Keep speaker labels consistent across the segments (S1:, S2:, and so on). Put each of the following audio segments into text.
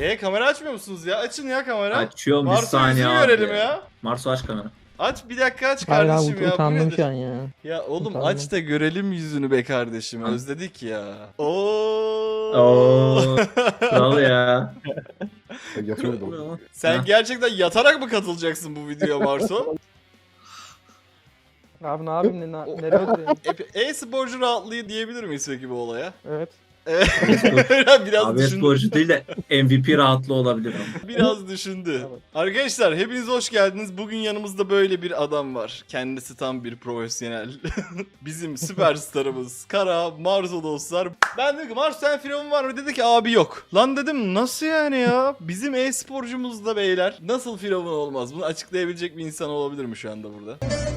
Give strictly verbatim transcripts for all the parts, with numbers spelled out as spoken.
S1: E kamera açmıyor musunuz ya? Açın ya kamera.
S2: Açıyorum bir
S1: Marsu
S2: saniye
S1: yüzünü
S2: abi.
S1: görelim ya.
S2: Marsu aç kamera.
S1: Aç bir dakika aç
S3: Hayır abi
S1: kardeşim
S3: ut-
S1: ya. Bu
S3: utandım
S1: nedir?
S3: şu an ya.
S1: Ya oğlum
S3: Utandım.
S1: aç da görelim yüzünü be kardeşim.
S2: Tamam.
S1: Özledik ya. Oo.
S2: Oo. Kral ya.
S4: Yatıyordum.
S1: Sen
S2: Ha.
S1: gerçekten yatarak mı katılacaksın bu videoya Marso?
S3: Abi ne yapayım ne,
S1: O-
S3: nereye oturayım?
S1: E- E-sporcu rahatlığı diyebilir miyiz peki bu olaya?
S3: Evet.
S1: Evet. biraz
S2: Abi
S1: düşündü.
S2: sporcu değil de M V P rahatlığı olabilir ama.
S1: Biraz düşündü.
S3: Evet.
S1: Arkadaşlar hepiniz hoş geldiniz. Bugün yanımızda böyle bir adam var. Kendisi tam bir profesyonel. Bizim süperstarımız Kara Marzo dostlar. Ben dedim ki Marzo sen firavun var mı? Dedi ki abi yok. Lan dedim nasıl yani ya? Bizim e-sporcumuz da beyler. Nasıl firavun olmaz? Bunu açıklayabilecek bir insan olabilir mi şu anda burada?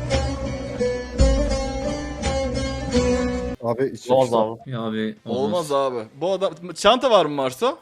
S4: Abi içi
S5: Olmaz
S4: işte.
S5: abi.
S2: Ya abi
S1: Olmaz abi. Bu adam... Çanta var mı Marzo?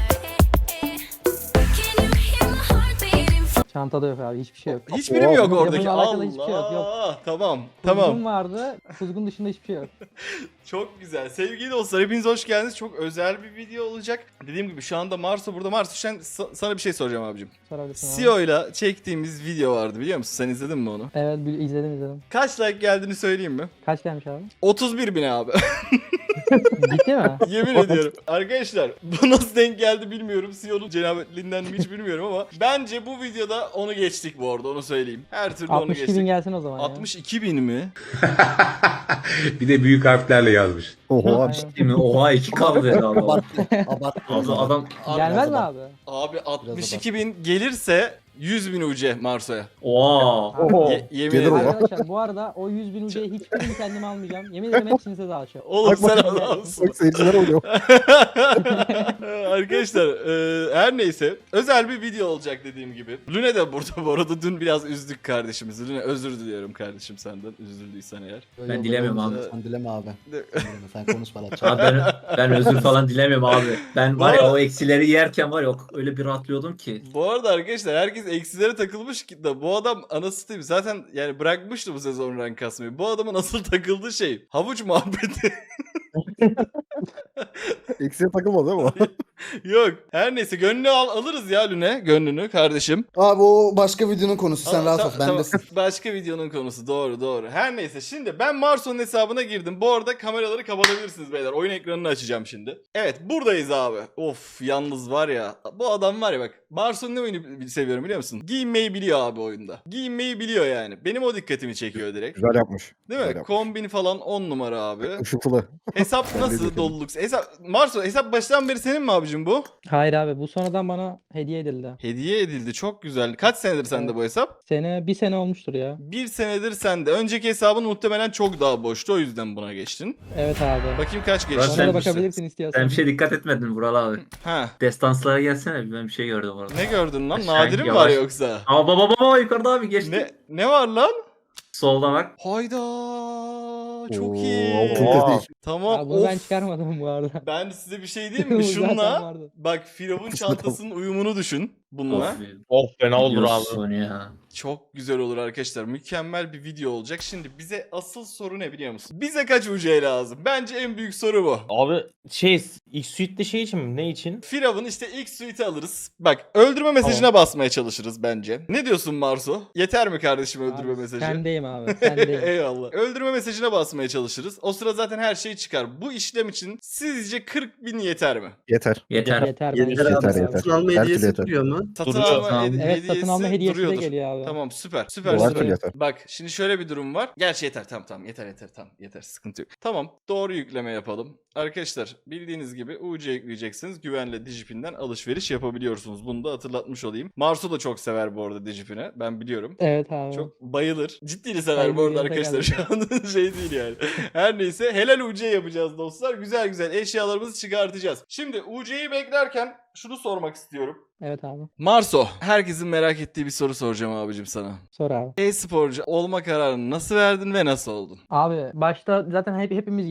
S3: Çantada yok abi hiçbir şey yok.
S1: Hiçbiri mi yok
S4: Oo,
S1: oradaki?
S3: yapımla alakalı hiçbir şey yok, yok.
S1: Allah. Tamam.
S3: Kuzgun
S1: Tamam.
S3: vardı. Kuzgun dışında hiçbir şey yok.
S1: Çok güzel. Sevgili dostlar hepiniz hoş geldiniz. Çok özel bir video olacak. Dediğim gibi şu anda Marso burada. Marso sen, sa- sana bir şey soracağım abicim.
S3: Sorabilirsin abi.
S1: C E O ile çektiğimiz video vardı biliyor musun? Sen izledin mi onu?
S3: Evet bil- izledim izledim.
S1: Kaç like geldiğini söyleyeyim mi?
S3: Kaç gelmiş abi?
S1: otuz bir bin abi.
S3: Ciddi mi?
S1: Yemin ediyorum. Arkadaşlar bu nasıl denk geldi bilmiyorum. C E O'nun cenabetliğinden mi hiç bilmiyorum ama bence bu videoda onu geçtik bu arada onu söyleyeyim. Her türlü onu
S3: altmış iki
S1: geçtik.
S3: bin gelsin o zaman ya.
S1: altmış iki bin mi?
S6: Bir de büyük harflerle yazmış.
S4: Oho abi.
S3: Aynen.
S2: Değil mi? Oha iki kaldı dedi adam.
S4: Abarttı. Abarttı.
S2: Adam, adam
S3: Gelmez mi abi?
S1: Abi altmış iki bin gelirse yüz bin U C Marso'ya.
S2: oha.
S4: Oho.
S1: Ye- yemin
S4: Gelir
S1: ederim.
S4: o.
S3: Arkadaşlar bu arada o yüz bin ucuya hiçbirini kendime almayacağım. Yemin ederim hepsini size dağıtacağım.
S1: Oğlum
S4: Bak
S1: sen
S4: bak.
S1: adamsın.
S4: Bak seyirciler oluyor.
S1: Arkadaşlar e, her neyse özel bir video olacak dediğim gibi. Lüne de burada bu arada dün biraz üzdük kardeşimizi. Lüne özür diliyorum kardeşim senden üzüldüysen eğer.
S2: Ben dilemiyorum abi.
S7: Sen dileme abi.
S1: De-
S7: Sen dileme, sen konuş bana.
S2: Abi ben, ben özür falan dilemiyorum abi. Ben var
S1: Bu
S2: ya
S1: arada-
S2: o eksileri yerken var ya o- öyle bir rahatlıyordum ki.
S1: Bu arada arkadaşlar herkes eksilere takılmış ki da bu adam anası satayım zaten yani bırakmıştı bu sezon rank kasmayı. Bu adamın asıl takıldığı şey havuç muhabbeti.
S4: Eksiye takılmadı değil mi?
S1: Yok. Her neyse gönlünü al alırız ya Lüne gönlünü kardeşim.
S7: Abi o başka videonun konusu. Sen
S1: Aa,
S7: rahat
S1: ta-
S7: ol. Ben
S1: tamam.
S7: de
S1: Başka videonun konusu doğru doğru. Her neyse şimdi ben Marso'nun hesabına girdim. Bu arada kameraları kapatabilirsiniz beyler. Oyun ekranını açacağım şimdi. Evet buradayız abi. Of yalnız var ya. Bu adam var ya bak. Marso'nun ne oyunu seviyorum biliyor musun? Giyinmeyi biliyor abi oyunda. Giyinmeyi biliyor yani. Benim o dikkatimi çekiyor direkt.
S4: Güzel yapmış.
S1: Değil mi?
S4: Güzel yapmış.
S1: Kombin falan on numara abi.
S4: Işıltılı.
S1: Hesap
S4: Ben de
S1: nasıl
S4: dikkatimi.
S1: doluluk? Hesap Marso hesap baştan beri senin mi abicim bu?
S3: Hayır abi bu sonradan bana hediye edildi.
S1: Hediye edildi. Çok güzel. Kaç senedir sende
S3: Evet.
S1: bu hesap?
S3: Sene bir sene olmuştur ya.
S1: Bir senedir sende. Önceki hesabın muhtemelen çok daha boştu. O yüzden buna geçtin.
S3: Evet abi.
S1: Bakayım kaç
S2: Ben
S1: geçti.
S3: Ona
S2: sen-
S3: da bakabilirsin istiyorsan.
S2: Sen bir şey dikkat etmedin Vural abi.
S1: Ha.
S2: Destanslara gelsene ben bir şey gördüm orada.
S1: Ne gördün lan?
S2: Aşağı
S1: Nadirim
S2: in,
S1: var
S2: yavaş.
S1: yoksa?
S2: Aa baba baba yukarıda abi geçti.
S1: Ne ne var lan?
S2: Solda bak.
S1: Hayda. Çok
S4: Oo,
S1: iyi.
S4: altın
S5: Oha.
S4: kız değil.
S1: Tamam.
S3: Abi bunu ben
S1: Of.
S3: çıkarmadım bu arada.
S1: Ben size bir şey diyeyim mi?
S3: Bu zaten
S1: Şunla
S3: vardı.
S1: bak Firavun çantasının uyumunu düşün bununla.
S2: Of,
S5: Of fena olur abi.
S2: diyorsun ya.
S1: Çok güzel olur arkadaşlar. Mükemmel bir video olacak. Şimdi bize asıl soru ne biliyor musun? Bize kaç U C lazım? Bence en büyük soru bu.
S5: Abi şey ilk suite'de şey için mi? Ne için?
S1: Firavun işte ilk suite'i alırız. Bak öldürme mesajına basmaya çalışırız bence. Ne diyorsun Marso? Yeter mi kardeşim öldürme
S3: Abi,
S1: mesajı?
S3: Sendeyim abi. Sendeyim.
S1: Eyvallah. Öldürme mesajına basmaya çalışırız. O sıra zaten her şey çıkar. Bu işlem için sizce kırk bin yeter mi?
S4: Yeter.
S2: Yeter.
S3: Yeter bence.
S8: Yeter abi.
S4: Yeter,
S8: Satın
S4: yeter.
S8: alma
S4: Her
S8: hediyesi
S4: türlü yeter.
S8: duruyor mu?
S1: Satın
S5: Duruyor.
S1: alma
S2: Tamam.
S1: hedi-
S3: Evet
S1: hediyesi
S3: satın alma hediyesi de
S1: duruyordur.
S3: geliyor abi.
S1: Tamam süper. Süper
S4: O her
S1: süper.
S4: türlü yeter.
S1: Bak şimdi şöyle bir durum var. Gerçi yeter tamam tamam yeter yeter tamam yeter sıkıntı yok. Tamam doğru yükleme yapalım. Arkadaşlar bildiğiniz gibi U C yükleyeceksiniz. Güvenle Digipin'den alışveriş yapabiliyorsunuz. Bunu da hatırlatmış olayım. Marsu da çok sever bu arada Digipin'e. Ben biliyorum.
S3: Evet abi.
S1: Çok bayılır. Ciddi sever bu arada
S3: Bayılır,
S1: arkadaşlar. Şu an şey değil yani. Her neyse helal U C yapacağız dostlar. Güzel güzel eşyalarımızı çıkartacağız. Şimdi U C'yi beklerken şunu sormak istiyorum.
S3: Evet abi.
S1: Marso, herkesin merak ettiği bir soru soracağım abicim sana.
S3: Sor abi.
S1: E-sporcu olma kararını nasıl verdin ve nasıl oldun?
S3: Abi başta zaten hep hepimiz gibi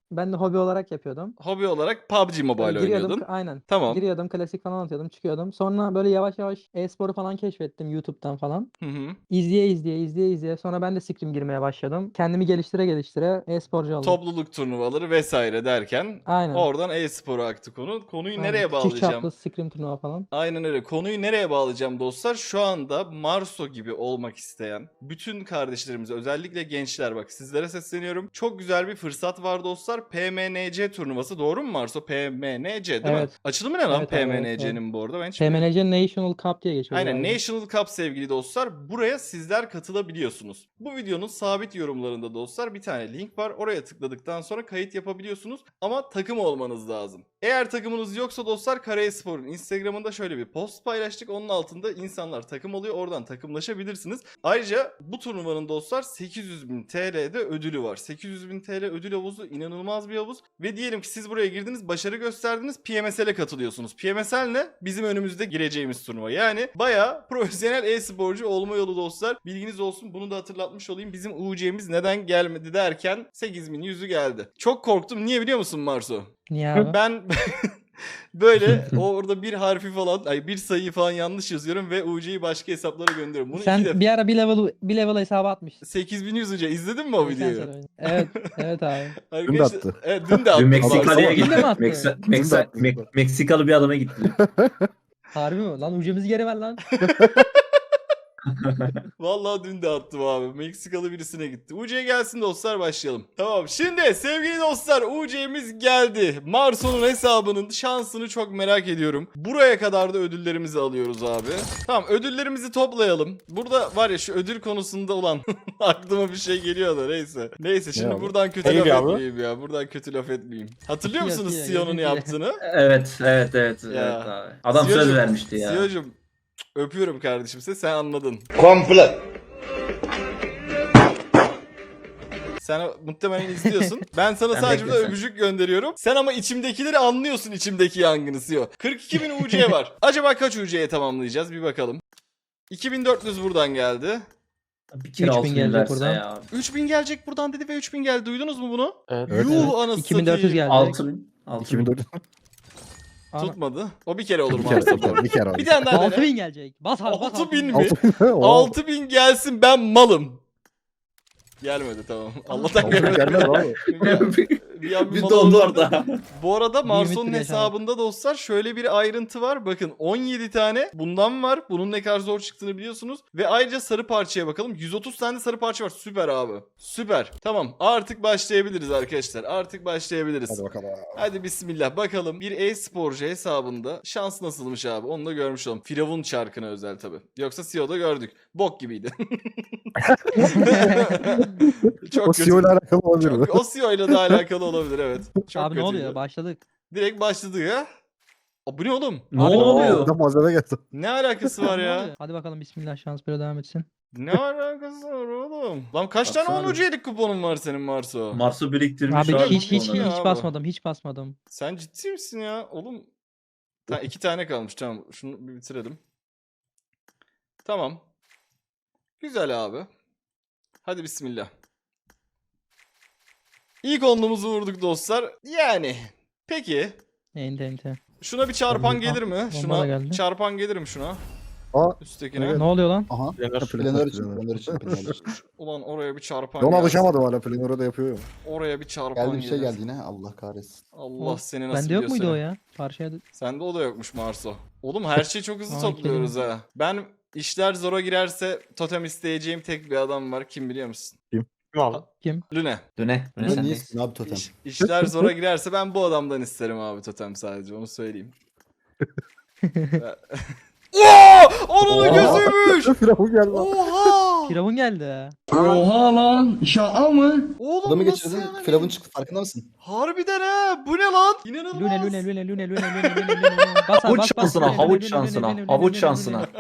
S3: Ben de hobi olarak yapıyordum.
S1: Hobi olarak P U B G Mobile
S3: Böyle giriyordum,
S1: oynuyordun.
S3: aynen.
S1: Tamam.
S3: Giriyordum, klasik falan atıyordum, çıkıyordum. Sonra böyle yavaş yavaş e-sporu falan keşfettim YouTube'dan falan.
S1: Hı hı.
S3: İzleye izleye, izleye izleye. Sonra ben de Scrim girmeye başladım. Kendimi geliştire geliştire e-sporcu oldum.
S1: Topluluk turnuvaları vesaire derken
S3: Aynen.
S1: oradan e-spora aktı konu. Konuyu
S3: Aynen.
S1: nereye
S3: Küçük
S1: bağlayacağım?
S3: çaplı Scrim turnuva falan.
S1: Aynen öyle. Konuyu nereye bağlayacağım dostlar? Şu anda Marso gibi olmak isteyen bütün kardeşlerimize, özellikle gençler, bak sizlere sesleniyorum. Çok güzel bir fırsat var dostlar. P M N C turnuvası, doğru mu Marso? P M N C değil mi?
S3: Evet.
S1: Açılımı ne lan
S3: Evet abi, evet,
S1: P M N C'nin bu arada? Ben hiç
S3: P M N C National Cup diye geçiyor.
S1: Aynen,
S3: galiba.
S1: National Cup sevgili dostlar. Buraya sizler katılabiliyorsunuz. Bu videonun sabit yorumlarında dostlar bir tane link var. Oraya tıkladıktan sonra kayıt yapabiliyorsunuz. Ama takım olmanız lazım. Eğer takımınız yoksa dostlar, Karayespor'un Instagram'ında şöyle bir post paylaştık. Onun altında insanlar takım oluyor. Oradan takımlaşabilirsiniz. Ayrıca bu turnuvanın dostlar sekiz yüz bin T L'de ödülü var. sekiz yüz bin T L ödül havuzu inanılmaz bir havuz. Ve diyelim ki siz buraya girdiniz, başarı gösterdiniz, P M S L'e katılıyorsunuz. P M S L ne? Bizim önümüzde gireceğimiz turnuva. Yani bayağı profesyonel e-sporcu olma yolu dostlar. Bilginiz olsun, bunu da hatırlatmış olayım. Bizim U C'miz neden gelmedi derken sekiz bin yüzü geldi. Çok korktum. Niye biliyor musun Marso?
S3: Niye abi?
S1: Ben böyle orada bir harfi falan, ay bir sayıyı falan yanlış yazıyorum ve U C'yi başka hesaplara gönderiyorum. Bunu iki
S3: Sen
S1: defa
S3: bir ara bir level bir level hesabı atmıştın.
S1: sekiz bin yüz önce izledin mi o
S3: Geçen
S1: videoyu?
S3: sene oynadım. Evet, evet abi.
S1: Arkadaşlar,
S4: attı.
S1: Evet, dün de attı.
S2: Dün Meksikalı'ya
S1: Marso.
S3: Dün de mi
S2: gitti.
S3: attı?
S2: Meksa-
S4: Dün de
S2: Meksa-
S4: attı.
S2: Mek- Meksikalı bir adama gitti.
S3: Harbi mi? Lan ucumuzu geri ver lan.
S1: Vallahi dün de attım abi. Meksikalı birisine gitti. U C gelsin dostlar, başlayalım. Tamam, şimdi sevgili dostlar, U C'miz geldi. Marso'nun hesabının şansını çok merak ediyorum. Buraya kadar da ödüllerimizi alıyoruz abi. Tamam, ödüllerimizi toplayalım. Burada var ya, şu ödül konusunda olan aklıma bir şey geliyor da neyse. Neyse şimdi
S4: abi?
S1: buradan kötü
S5: Neydi
S1: laf
S5: abi?
S1: etmeyeyim ya. Buradan kötü laf etmeyeyim. Hatırlıyor
S3: Yok,
S1: musunuz
S3: yok,
S1: Sion'un
S3: yok, yok.
S1: yaptığını?
S2: Evet, evet, evet.
S1: Ya.
S2: evet abi. Adam söz
S1: Siyo'cum,
S2: vermişti ya.
S1: Siyo'cum, öpüyorum kardeşim seni, sen anladın.
S6: Komple.
S1: Sen muhtemelen izliyorsun. Ben sana
S2: Sen
S1: sadece burada
S2: beklesen.
S1: öpücük gönderiyorum. Sen ama içimdekileri anlıyorsun, içimdeki yangını Siyo. kırk iki bin U C var. Acaba kaç U C'ye tamamlayacağız? Bir bakalım. iki bin dört yüz buradan geldi.
S2: Bir kere
S3: üç bin
S2: altın
S3: gelecek
S2: verse
S3: buradan.
S2: ya.
S1: üç bin gelecek buradan dedi ve üç bin geldi. Duydunuz mu bunu?
S5: Evet.
S4: Evet.
S1: Yuh anasını
S3: iki bin dört yüz
S1: satayım.
S3: geldi.
S2: altı bin. altı bin.
S4: iki bin dört yüz.
S3: Ana-
S1: Tutmadı. O bir kere olur
S4: Bir
S1: mu?
S4: kere,
S1: Arslan?
S4: bir kere, bir kere abi.
S1: Bir tane daha
S3: altı
S1: dene.
S3: bin gelecek. Bas abi bas.
S1: altı bin mi?
S4: Altı bin. Oo.
S1: altı bin gelsin, ben malım. Gelmedi, tamam. Allah'tan
S4: Altı bin
S1: gelmedi.
S4: gelmez abi.
S1: Bir an bir
S2: Bir
S1: mal
S2: dondu
S1: oldu.
S2: orada.
S1: Bu arada
S3: Bir
S1: Marso'nun
S3: ümitli yaşam.
S1: hesabında dostlar şöyle bir ayrıntı var. Bakın on yedi tane bundan var. Bunun ne kadar zor çıktığını biliyorsunuz. Ve ayrıca sarı parçaya bakalım. yüz otuz tane sarı parça var. Süper abi. Süper. Tamam, artık başlayabiliriz arkadaşlar. Artık başlayabiliriz.
S4: Hadi bakalım.
S1: Hadi bismillah bakalım. Bir e-sporcu hesabında şans nasılmış abi, onu da görmüş olalım. Firavun çarkına özel tabi. Yoksa C E O'da gördük. Bok gibiydi. Çok
S4: O
S1: kötü.
S4: C E O ile alakalı olabilir mi?
S1: Çok- o C E O ile de alakalı olabilir, evet. Çok
S3: Abi ne
S1: kötüydü.
S3: oluyor? Başladık.
S1: Direkt başladı ya. Aa, bu ne oğlum?
S2: Ne
S3: Abi,
S2: oluyor?
S4: Burada malzeme geldi.
S1: Ne alakası var
S3: Ne
S1: ya?
S3: oluyor? Hadi bakalım bismillah, şans böyle devam etsin.
S1: Ne alakası var oğlum? Lan kaç tane
S2: Baksana
S1: on
S2: bir.
S1: C'lik kuponun var senin Marso?
S2: Mars'ı biriktirmiş
S3: Abi
S1: abi,
S3: hiç hiç
S1: bu ne
S3: hiç
S1: abi?
S3: basmadım, hiç basmadım.
S1: Sen ciddi misin ya? Oğlum. Ha, iki tane kalmış, tamam. Şunu bir bitirelim. Tamam. Güzel abi. Hadi bismillah. İlk onluğumuzu vurduk dostlar. Yani. Peki.
S3: Ente ente.
S1: Şuna bir çarpan
S3: Bomba-
S1: gelir mi?
S3: bomba da
S1: Şuna
S3: geldi.
S1: çarpan gelir mi şuna?
S4: Aa,
S1: Üsttekine.
S4: evet.
S3: Ne oluyor lan?
S7: Aha.
S5: Planör.
S7: Planör için.
S4: Planör.
S7: Planör için. Planör için.
S1: Ulan oraya bir çarpan
S4: Ona
S1: gelsin.
S4: alışamadım hala. Planör'e de yapıyor ya.
S1: Oraya bir çarpan
S7: Geldi bir şey
S1: gelir.
S7: geldi yine. Allah kahretsin.
S1: Allah
S3: O-
S1: seni nasıl
S3: Bende yok muydu o
S1: biliyorsun?
S3: ya? Parçaya da...
S1: Sende o da yokmuş Marso. Oğlum her şeyi çok hızlı
S3: Aa,
S1: topluyoruz ha. Ben işler zora girerse totem isteyeceğim tek bir adam var. Kim biliyor musun?
S5: Kim abi?
S1: Lüne.
S2: Döne. Döne
S7: Ne
S2: sen
S7: niye abi totem?
S1: İş, işler zora girerse ben bu adamdan isterim abi totem, sadece onu söyleyeyim. Oo! Onun
S4: Oha!
S1: gözüymüş.
S4: Firavun geldi lan.
S1: Oha!
S3: Firavun geldi.
S1: Oğlum
S7: Adamı
S1: nasıl
S7: geçirdin.
S1: yani?
S7: Firavun çıktı. Farkında mısın?
S1: Harbiden ha. Bu ne lan? İnanılmaz.
S3: Lüne lüne lüne lüne lüne lüne lüne lüne lüne. Bas abi,
S2: Havuç
S3: bas, bas.
S2: şansına,
S3: Lüne,
S2: havuç
S3: lüne,
S2: şansına,
S3: lüne, lüne,
S2: havuç
S3: lüne,
S2: şansına.
S3: lüne.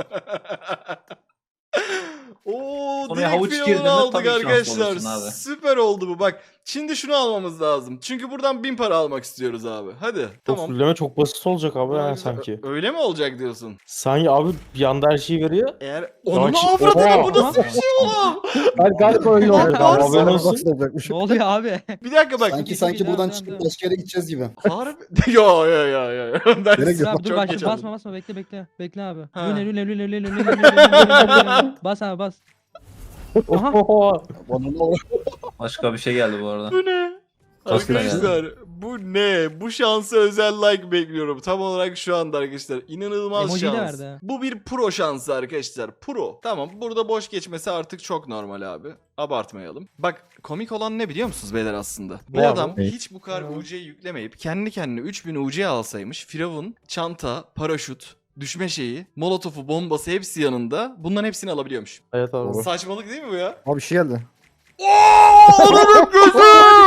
S1: Oo,
S2: Oraya
S1: direkt
S2: havuç
S1: Firavun'u
S2: girdi mi
S1: aldık
S2: tabii şanslı
S1: arkadaşlar.
S2: olursun abi.
S1: Süper oldu bu. Bak Şimdi şunu almamız lazım. Çünkü buradan bin para almak istiyoruz abi. Hadi.
S5: Tamam.
S1: Tamam.
S5: Fulleme çok basit olacak abi ha,
S1: Ö-
S5: sanki.
S1: Öyle mi olacak diyorsun?
S5: Sanki abi bir anda her şeyi veriyor.
S1: Eğer onun
S5: ki-
S1: avradını
S5: Oha!
S1: bu nasıl bir şey oğlum?
S5: Hayır galiba öyle
S1: Bak,
S5: olacak
S1: varsa-
S5: abi. Haberin olsun.
S4: Nasıl olacakmış?
S3: Ne oluyor abi?
S1: Bir dakika bak.
S7: Sanki
S3: bir-
S7: sanki
S3: bir-
S7: buradan
S3: devam,
S7: çıkıp
S3: devam.
S7: başka yere gideceğiz gibi.
S1: Harbi. Yo yo yo yo. Ben
S4: Gerek yok.
S3: Abi dur
S1: çok
S3: başla
S1: geç
S3: basma
S1: aldım.
S3: basma bekle bekle. Bekle abi.
S1: Ha.
S3: Lüne lüne lüne lüne lüne lüne lüne. Bas abi bas. Aha.
S7: Onun o
S8: Başka bir şey geldi bu arada.
S1: Bu ne?
S8: Başka ne
S1: Arkadaşlar bu ne? Bu şansa özel like bekliyorum. Tam olarak şu anda arkadaşlar. İnanılmaz
S3: Emojiyi de
S1: şans.
S3: verdi ha.
S1: Bu bir pro şansı arkadaşlar. Pro. Tamam burada boş geçmesi artık çok normal abi. Abartmayalım. Bak komik olan ne biliyor musunuz beyler aslında? Bu
S5: Ne
S1: adam
S5: abi?
S1: hiç bu kadar U C'yi yüklemeyip kendi kendine üç bin U C alsaymış. Firavun, çanta, paraşüt, düşme şeyi, molotofu, bombası hepsi yanında. Bunların hepsini alabiliyormuş.
S5: Evet abi.
S4: Doğru.
S1: Saçmalık değil mi bu ya?
S4: Abi bir şey geldi.
S1: Ooo! Onun gözü!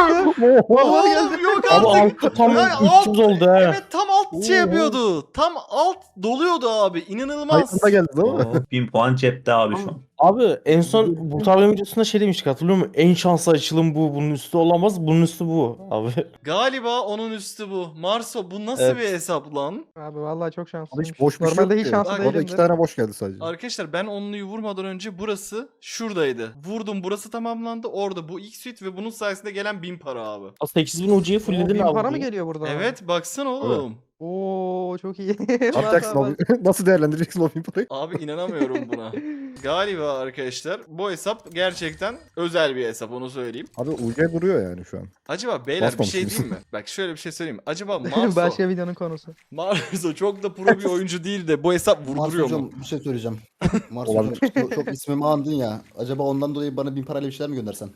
S4: Oha!
S1: Oğlum yok
S5: Abi
S1: artık.
S5: altı tam
S1: Ay,
S5: üç yüz oldu ha.
S1: Evet tam alt şey yapıyordu. Tam alt doluyordu abi. İnanılmaz.
S4: Ayında geldi değil mi?
S8: Oo, bin puan cepte abi şu an.
S5: Abi en son bu tablo'nun videosunda şey demiştik hatırlıyor musun? En şanslı açılım bu. Bunun üstü olamaz. Bunun üstü bu abi.
S1: Galiba onun üstü bu. Marso bu nasıl
S5: Evet.
S1: bir hesap lan?
S3: Abi vallahi çok
S4: Abi
S3: şanslıyım.
S4: hiç boş bir şey
S3: Normalde
S4: yok
S3: hiç
S4: ki.
S3: şanslı
S1: Bak,
S4: Orada
S3: değilimdir.
S4: iki tane boş geldi sadece.
S1: Arkadaşlar ben onluyu vurmadan önce burası şuradaydı. Vurdum burası tamamlandı. Orada bu ilk suite ve bunun sayesinde gelen bin para abi.
S5: sekiz bin U C'yi
S3: Oo,
S5: fullledin
S3: bin
S5: abi.
S3: para mı geliyor burada?
S1: Evet baksana oğlum.
S3: Oo çok iyi.
S4: Ne yapacaksın abi? Nasıl değerlendireceksin o bin parayı?
S1: Abi inanamıyorum buna. Galiba arkadaşlar bu hesap gerçekten özel bir hesap onu söyleyeyim.
S4: Abi U C duruyor yani şu an.
S1: Acaba beyler bir şey
S4: Basmamışsınız.
S1: diyeyim mi? Bak şöyle bir şey söyleyeyim mi? Acaba Marso,
S3: Başka videonun konusu.
S1: Marso çok da pro bir oyuncu değil de bu hesap
S7: Mars
S1: vurduruyor mu?
S7: hocam bir şey söyleyeceğim. Mars
S4: Olabilir.
S7: hocam çok, çok ismimi andın ya. Acaba ondan dolayı bana bin parayla bir şeyler mi göndersen?